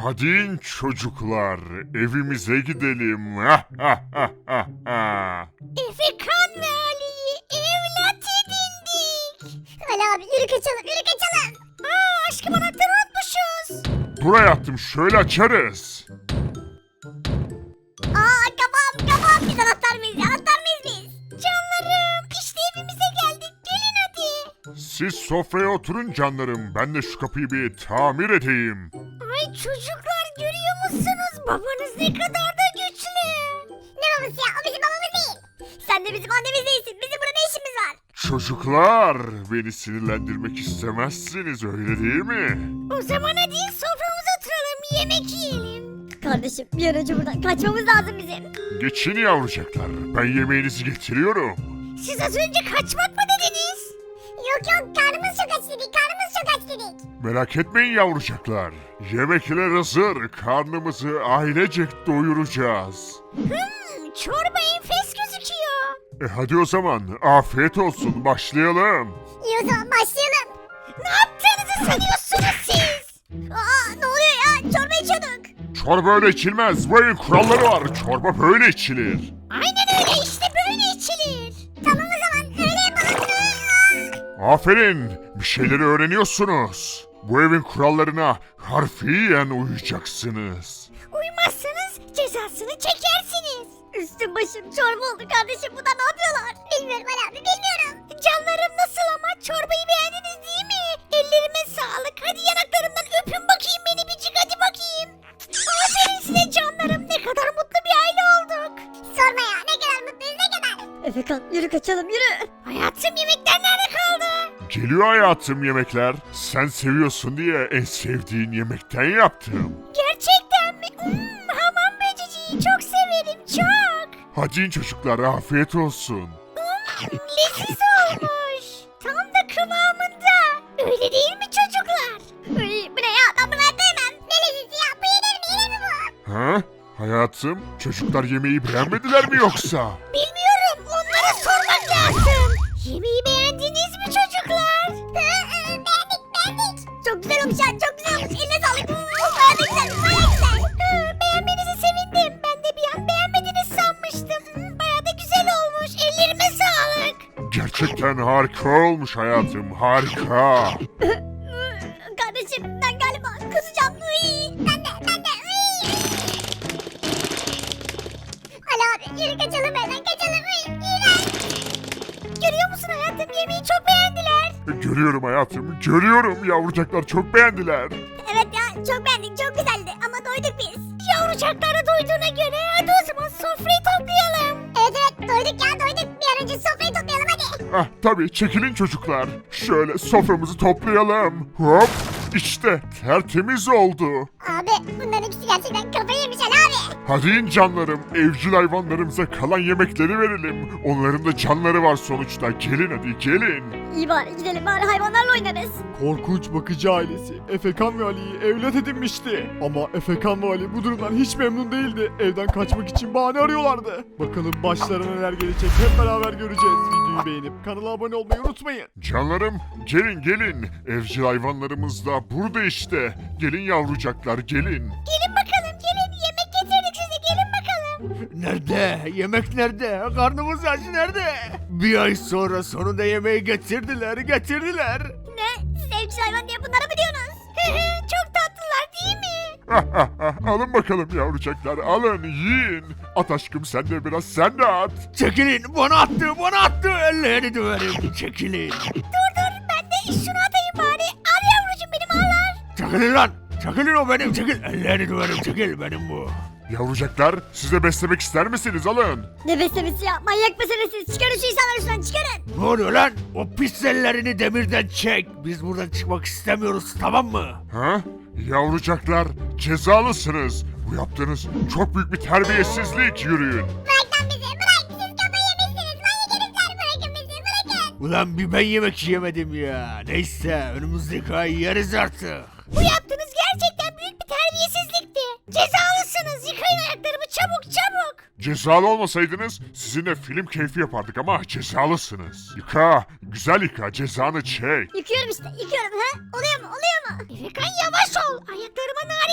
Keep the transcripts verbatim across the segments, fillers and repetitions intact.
Hadi in çocuklar, evimize gidelim. Ha ha ha ha ha. Efekan ve Ali'yi evlat edindik. Ali abi yürü kaçalım yürü kaçalım. Aa aşkım anahtarı unutmuşuz. Buraya attım, şöyle açarız. Aa kafam kafam biz anahtar mıyız anahtar mıyız biz? Canlarım işte evimize geldik gelin hadi. Siz sofraya oturun canlarım, ben de şu kapıyı bir tamir edeyim. Ay çocuklar görüyor musunuz babanız ne kadar da güçlü. Ne babası ya o bizim babamız değil. Sen de bizim annemiz değilsin bizim burada ne işimiz var? Çocuklar, beni sinirlendirmek istemezsiniz, öyle değil mi? O zaman hadi soframıza oturalım yemek yiyelim. Kardeşim bir an önce buradan kaçmamız lazım bizim. Geçin yavrucaklar, ben yemeğinizi getiriyorum. Siz az önce kaçmak mı dediniz? Yok yok karnımız çok aç dedik karnımız çok aç dedik. Merak etmeyin yavrucaklar, yemekler hazır, karnımızı ailecek doyuracağız. Hmm, çorba enfes gözüküyor. E hadi o zaman, afiyet olsun, başlayalım. İyi o zaman başlayalım. Ne yaptığınızı sanıyorsunuz siz? Aa ne oluyor ya çorba içiyorduk. Çorba öyle içilmez, bu evin kuralları var, çorba böyle içilir. Aynen öyle işte böyle içilir. Tamam o zaman öyle yapalım. Aferin, bir şeyleri öğreniyorsunuz. Bu evin kurallarına harfiyen uyacaksınız. Uymazsanız cezasını çekersiniz. Üstüm başım çorba oldu kardeşim bu da ne yapıyorlar? Bilmiyorum Ali abi bilmiyorum. Canlarım nasıl ama çorbayı beğendiniz değil mi? Ellerime sağlık hadi yanaklarımdan öpün bakayım beni bircik hadi bakayım. Aferin size canlarım ne kadar mutlu bir aile olduk. Sorma ya ne kadar mutluyuz ne kadar. Efekan yürü kaçalım yürü. Hayatım yemekler nerede kaldı? Geliyor hayatım yemekler. Sen seviyorsun diye en sevdiğin yemekten yaptım. Gerçekten mi? Hmm, hamam böceciği çok severim çok. Hadi in çocuklar, afiyet olsun. Hmm, leziz olmuş. Tam da kıvamında. Öyle değil mi çocuklar? Uy, bu ne ya ben bunu hayatta yemem. Ne lezizi ya bu yenir mi yenir mi bu? Ha? Hayatım, çocuklar yemeği beğenmediler mi yoksa? Bilmiyorum onlara sormak lazım. Yemeği beğendiniz mi çocuklar? beğendik beğendik. Çok güzel olmuş ya çok güzel olmuş. Eline sağlık. Baya da güzel baya güzel. Hı, beğenmenize sevindim. Ben de bir an beğenmediniz sanmıştım. Hı, baya da güzel olmuş. Ellerime sağlık. Gerçekten harika olmuş hayatım, harika. Kardeşim ben galiba kusacağım. Uy. Ben de ben de. Uy. Ali abi yürü kaçalım hemen kaçalım. Uy. İğrenç. Görüyor musun hayatım yemeği çok beğendiler. Görüyorum hayatım, görüyorum, yavrucaklar çok beğendiler. Evet ya çok beğendik çok güzeldi ama doyduk biz. Yavrucaklar da doyduğuna göre hadi o zaman sofrayı toplayalım. Evet evet doyduk ya doyduk bir an önce sofrayı toplayalım hadi. Ah tabii, çekilin çocuklar. Şöyle soframızı toplayalım. Hop, işte tertemiz oldu. Abi bunların ikisi gerçekten kafayı yemiş Ali abi. Hadi in canlarım, evcil hayvanlarımıza kalan yemekleri verelim. Onların da canları var sonuçta. Gelin hadi gelin. İyi bari gidelim bari hayvanlarla oynarız. Korkunç bakıcı ailesi Efekan ve Ali'yi evlat edinmişti. Ama Efekan ve Ali bu durumdan hiç memnun değildi. Evden kaçmak için bahane arıyorlardı. Bakalım başlarına neler gelecek hep beraber göreceğiz. Videoyu beğenip kanala abone olmayı unutmayın. Canlarım, gelin gelin. Evcil hayvanlarımız da burada işte. Gelin yavrucaklar, gelin. Gelin bakalım gelin yemek getirdik size gelin bakalım. Nerede? Yemek nerede? Karnımız aç nerede? Bir ay sonra sonunda yemeği getirdiler, getirdiler. Ne? Siz evcil hayvan diye bunlara mı diyorsunuz? Çok tatlılar değil mi? Alın bakalım yavrucaklar, alın, yiyin. At aşkım sen de biraz, sen de at. Çekilin, bana attı, bana attı. Ellerini döverim, çekilin. Dur dur ben de şunu atayım bari. Al yavrucuğum benim al al. Çekilin lan, çekilin o benim, çekil. Ellerini döverim, çekil benim bu. Yavrucaklar, siz de beslemek ister misiniz? Alın. Ne beslemesi ya manyak mısınız siz? Çıkarın şu insanları şuradan çıkarın. Ne oluyor lan? O pis ellerini demirden çek. Biz buradan çıkmak istemiyoruz, tamam mı? Ha? Yavrucaklar, cezalısınız. Bu yaptığınız çok büyük bir terbiyesizlik, yürüyün. Bırak lan bizi bırak. Siz kafayı yemişsiniz. Manyak herifler bırakın bizi bırakın. Ulan bir ben yemek yiyemedim ya. Neyse, önümüzdeki ay yeriz artık. Bu yaptığınız gerçekten büyük bir terbiyesizlikti. Cezalısınız. Yıkayın ayaklarımı çabuk çabuk. Cezalı olmasaydınız sizinle film keyfi yapardık ama cezalısınız. Yıka, güzel yıka, cezanı çek. Yıkıyorum işte yıkıyorum ha. Oluyor mu oluyor mu? Efekan yavaş ol. Ayaklarıma narin davran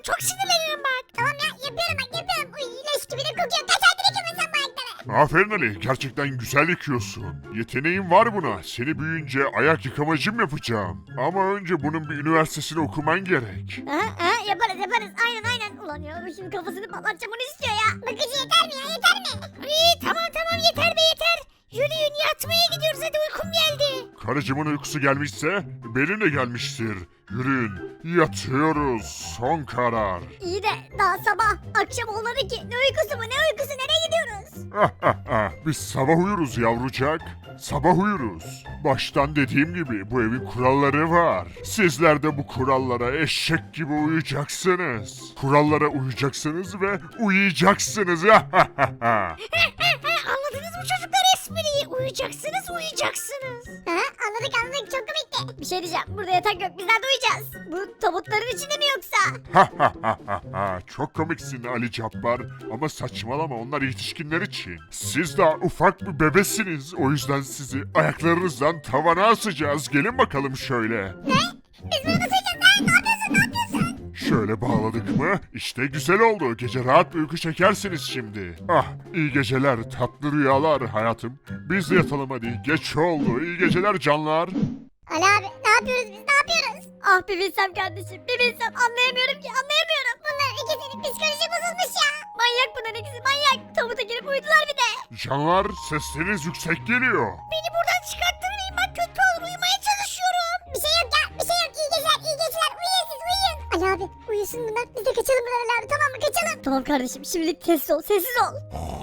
zaman çok sinirlenirim bak. Tamam ya yapıyorum bak yapıyorum. Uy leş gibi de kokuyor. Kaç aydır yıkıyorsun sen bu ayakları? Aferin Ali, gerçekten güzel yıkıyorsun. Yeteneğin var buna. Seni büyüyünce ayak yıkamacım yapacağım. Ama önce bunun bir üniversitesini okuman gerek. Aha, aha, yaparız yaparız aynen aynen. Ulan ya bu şimdi kafasını patlatacağım onu istiyor ya. Bakıcı yeter mi ya yeter mi? İyi tamam tamam yeter be yeter. Yürüyün yatmaya gidiyoruz hadi uykum geldi. Karıcımın uykusu gelmişse benim de gelmiştir. Yürüyün, yatıyoruz. Son karar. İyi de daha sabah akşam olmadı ki. Ne uykusu bu ne uykusu nereye gidiyoruz? Biz sabah uyuruz yavrucak. Sabah uyuruz. Baştan dediğim gibi bu evin kuralları var. Sizler de bu kurallara eşek gibi uyacaksınız. Kurallara uyacaksınız ve uyuyacaksınız. Anladınız mı çocuklar espriyi? Uyuyacaksınız uyuyacaksınız. Ha, anladık anladık çok komikti. Bir şey diyeceğim burada yatak yok biz nerede uyuyacağız? Bu tabutların içinde mi yoksa? Çok komiksin Ali Cabbar ama saçmalama onlar yetişkinler için. Siz daha ufak bir bebesiniz o yüzden sizi ayaklarınızdan tavana asacağız. Gelin bakalım şöyle. Ne? Biz bunu nasıl yiyeceğiz lan? Ne yapıyorsun ne yapıyorsun? Şöyle bağladık mı? İşte güzel oldu. Gece rahat bir uyku çekersiniz şimdi. Ah, iyi geceler, tatlı rüyalar hayatım. Biz de yatalım hadi. Geç oldu. İyi geceler canlar. Ali abi ne yapıyoruz biz ne yapıyoruz? Ah bir bilsem kardeşim bir bilsem anlayamıyorum ki anlayamıyorum. Bunların ikisinin psikoloji bozulmuş ya. Manyak bunların ikisi manyak. Tabuta girip uyudular bir de. Canlar sesleriniz yüksek geliyor. Beni buradan çıkarttırmayın bak kötü olur uyumaya çalışıyorum. Bir şey yok ya bir şey yok iyi geceler iyi geceler uyuyun siz uyuyun. Ali abi uyusun bunlar biz de kaçalım buradan Ali abi tamam mı kaçalım. Tamam kardeşim şimdilik sessiz ol sessiz ol.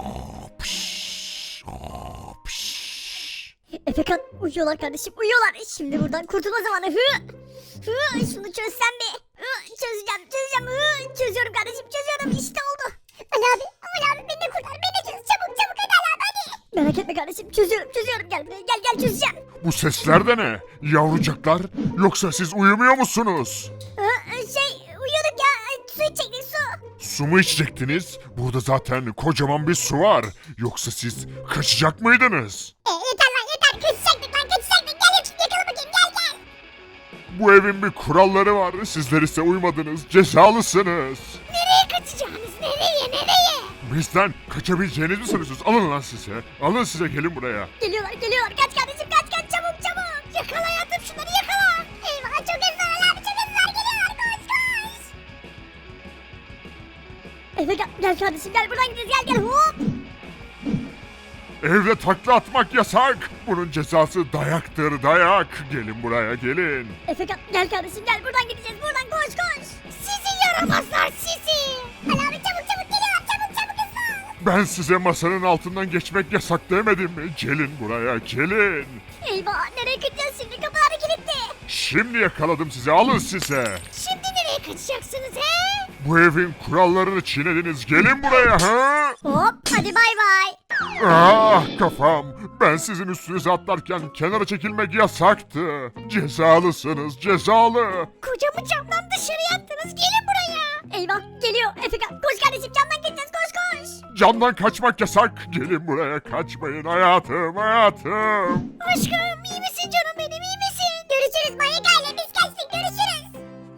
Efekan uyuyorlar kardeşim uyuyorlar. Şimdi buradan kurtulma zamanı. Hı. Hı. Şunu çözsem bir. Hı. Çözeceğim çözeceğim. Hı. Çözüyorum kardeşim çözüyorum işte oldu. Ali abi Ali abi beni de kurtar beni de çöz çabuk çabuk hadi Ali abi hadi. Merak etme kardeşim çözüyorum çözüyorum gel buraya gel gel çözeceğim. Bu sesler de ne? Yavrucaklar yoksa siz uyumuyor musunuz? Hı. Şey uyuyorduk ya su içecektik su. Su mu içecektiniz? Burada zaten kocaman bir su var. Yoksa siz kaçacak mıydınız? E, yeter lan yeter kaçacaktık lan kaçacaktık gel yakala bakayım gel gel. Bu evin bir kuralları var. Sizler ise uymadınız. Cezalısınız. Nereye kaçacağınız nereye nereye? Bizden kaçabileceğinizi mi sanıyorsunuz? Alın lan size. Alın size gelin buraya. Geliyorlar geliyorlar kaç kardeşim kaç kaç çabuk çabuk. Yakala hayatım şunları yakala. Eyvah çok hızlılar abi çok hızlılar geliyorlar koş koş. Efe gel, gel kardeşim gel buradan gideceğiz gel gel hop. Evde takla atmak yasak. Bunun cezası dayaktır dayak. Gelin buraya gelin. Efe gel, gel kardeşim gel buradan gideceğiz buradan koş koş. Sizi yaramazlar sizi. Ali abi çabuk çabuk geliyorlar çabuk çabuk hızlı ol. Ben size masanın altından geçmek yasak demedim mi? Gelin buraya gelin. Eyvah nereye gideceğiz şimdi kapılar kilitli. Şimdi yakaladım sizi alın size. Şimdi nereye kaçacaksınız he? Bu evin kurallarını çiğnediniz. Gelin buraya ha? Hop hadi bay bay. Ah kafam. Ben sizin üstünüze atlarken kenara çekilmek yasaktı. Cezalısınız cezalı. Kocamı camdan dışarı attınız gelin buraya. Eyvah geliyor Efekan koş kardeşim camdan gideceğiz koş koş. Camdan kaçmak yasak. Gelin buraya kaçmayın hayatım hayatım. Aşkım iyi misin canım benim iyi misin? Görüşürüz manyak aile biz kaçtık görüşürüz.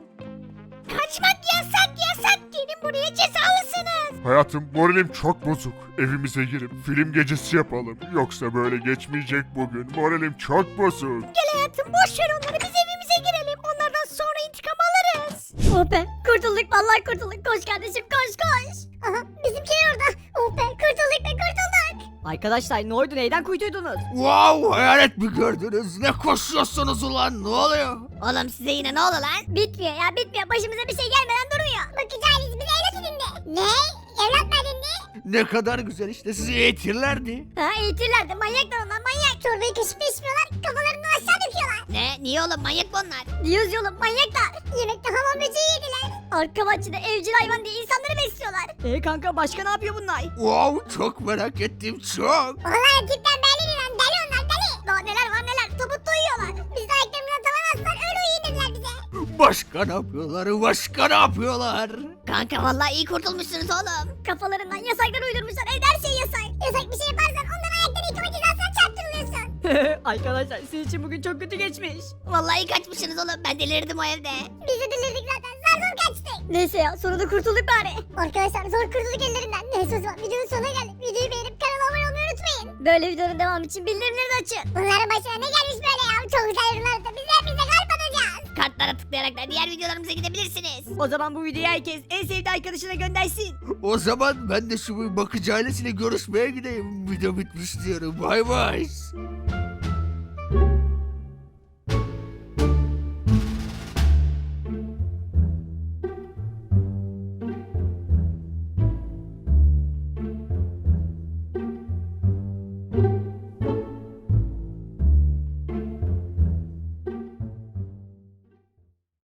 Kaçmak yasak yasak gelin buraya cezalısınız. Hayatım moralim çok bozuk. Evimize girip film gecesi yapalım. Yoksa böyle geçmeyecek bugün. Moralim çok bozuk. Gel hayatım boş ver onları biz evimize girelim. Onlardan sonra intikam alırız. Oh be kurtulduk vallahi kurtulduk. Koş kardeşim koş koş. Aha bizimkiler orada. Oh be kurtulduk be kurtulduk. Arkadaşlar ne oldu neyden kuytuydunuz? Wow, hayalet mi gördünüz? Ne koşuyorsunuz ulan? Ne oluyor? Oğlum size yine ne oldu lan? Bitmiyor ya bitmiyor başımıza bir şey gelmeden durmuyor. Bakıcı ailesi bize evlat edindi. Ne? Evlat mı edindi? Ne kadar güzel işte sizi eğitirlerdi. Ha eğitirlerdi manyaklar onlar manyak. Çorbayı kaşıkla içmiyorlar kafalarından aşağı döküyorlar. Ne? Niye oğlum manyak mı onlar? Diyoruz yolum manyaklar. Yemekte hamam böceği yediler. Arka bahçede evcil hayvan diye insanları besliyorlar. E kanka başka ne yapıyor bunlar? Wow, çok merak ettim çok. Vallahi tipten belli lan deli onlar deli. Daha neler var neler tabutta uyuyorlar. Biz de ayaklarımızdan tavan astılar öyle uyuyun dediler bize. Başka ne yapıyorlar? Başka ne yapıyorlar? Kanka vallahi iyi kurtulmuşsunuz oğlum. Kafalarından yasaklar uydurmuşlar evde her şey yasak. Yasak bir şey yaparsan ondan ayakları yıkama cezasına çarptırılıyorsun. Arkadaşlar sizin için bugün çok kötü geçmiş. Vallahi kaçmışsınız oğlum. Ben delirdim o evde. Biz de delirdik zaten. Zar zor kaçtık. Neyse ya sonunda kurtulduk bari. Arkadaşlar zor kurtulduk ellerinden. Neyse o zaman videonun sonuna geldik. Videoyu beğenip kanala abone olmayı unutmayın. Böyle videonun devamı için bildirimleri de açın. Bunların başına ne gelmiş böyle ya? Çok güzel yorumlarda biz hepimize kalp atacağız. Kartlara tıklayarak da diğer videolarımıza gidebilirsiniz. O zaman bu videoyu herkes en sevdiği arkadaşına göndersin. O zaman ben de şu bakıcı ailesiyle görüşmeye gideyim. Video bitmiş diyorum. Bay bay.